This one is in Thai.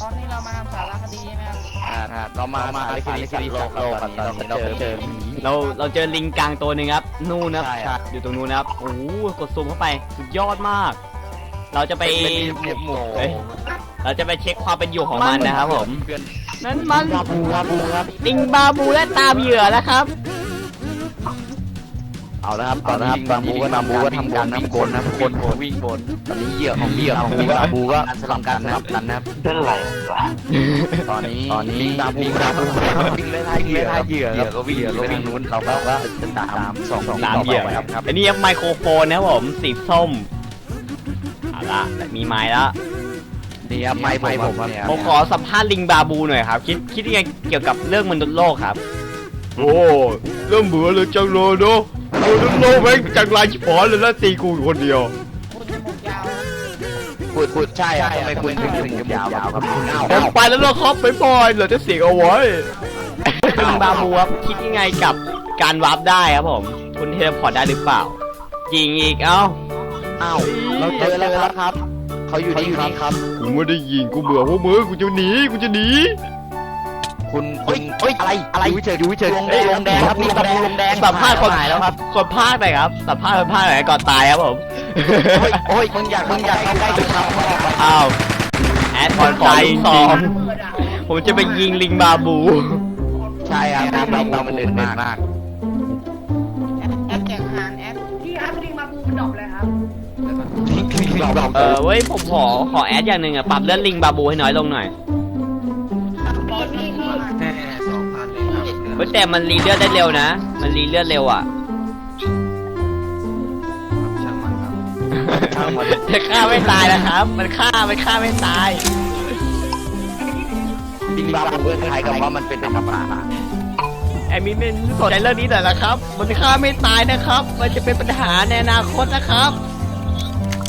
ตอนนี้เรามาทำสารคดีใช่ไหมครับเรามาสารคดีสัตว์โลกกันตอนนี้เราไปเจอเราเจอลิงกังตัวหนึ่งครับนู่นนะใช่ครับอยู่ตรงนู้นนะครับโอ้โหกดซูมเข้าไปสุดยอดมาก เราจะไปหมูเฮ้ยเราจะไปเช็คความเป็นอยู่ของมันนะครับผมนั่นมันบาบูครับลิงบาบูและตามเหยื่อแล้วครับเอาแล้วครับตอนนี้บาบูก็ทำการวิ่งบนนะคนวิ่งบนตอนนี้เหยื่อของบาบูก็สลับกันนะครับเป็นไรตอนนี้บาบูวิ่งไล่เหยื่อก็วิ่งไปทางนู้นเราก็จะตามตามเหยื่อครับอันนี้ไมโครโฟนนะครับผมสีส้มเอาละมีไม้แล้วนี่ครับไม้ผมเนี่ยผมขอสัมภาษณ์ลิงบาบูหน่อยครับคิดยังไงเกี่ยวกับเรื่องมนุษย์โลกครับโอ้เริ่มเบื่อเลยจังเลยเนาะมนุษย์โลกแม่งจังไรชิบหายเลยแล้วตีกูอยู่คนเดียวคุณจมูกยาวพูดใช่ครับทำไมคุณถึงยาวครับคุณผมไปแล้วนะครับไปบอยเหลือจะเสียงเอาไว้ลิงบาบูครับคิดยังไงกับการวาร์ปได้ครับผมคุณเทเลพอร์ตได้หรือเปล่าจริงอีกเอ้าเราเจอแล้วครับเขาอยู่นี่ครับกูไม่ได้ยิงกูเบื่อพวกมึงกูจะหนีคุณอะไรดูเฉยลงแดงครับมีตะปูลงแดงสัมภาษณ์คนหายแล้วครับคนภาคหน่อยครับสัมภาษณ์คนภาคหน่อยก่อนตายครับผมโอ้ยมึงอยากเข้าใกล้จุดครับอ้าวแอดคนใจสองผมจะไปยิงลิงบาบูใช่ครับเรามันเด่นมากแอปแจกอาหารแอปที่อัพลิงมาบูมันดรอปเลยครับเว้ยผมขอแอดอย่างหนึ่งอะปรับเลื่อนลิงบาบูให้น้อยลงหน่อยพี่แค่2,000เลยครับเฮ้ยแต่มันรีเลือดได้เร็วนะมันรีเลือดเร็วอะช่างมันครับจะฆ่าไม่ตายนะครับ มันฆ่าไม่ตายดิงบาบูคล้ายกับว่ามันเป็นธรรมะแอดมินสนใจเรื่องนี้หน่อยนะครับ มันฆ่าไม่ตายนะครับ มันจะเป็นปัญหาในอนาคตนะครับ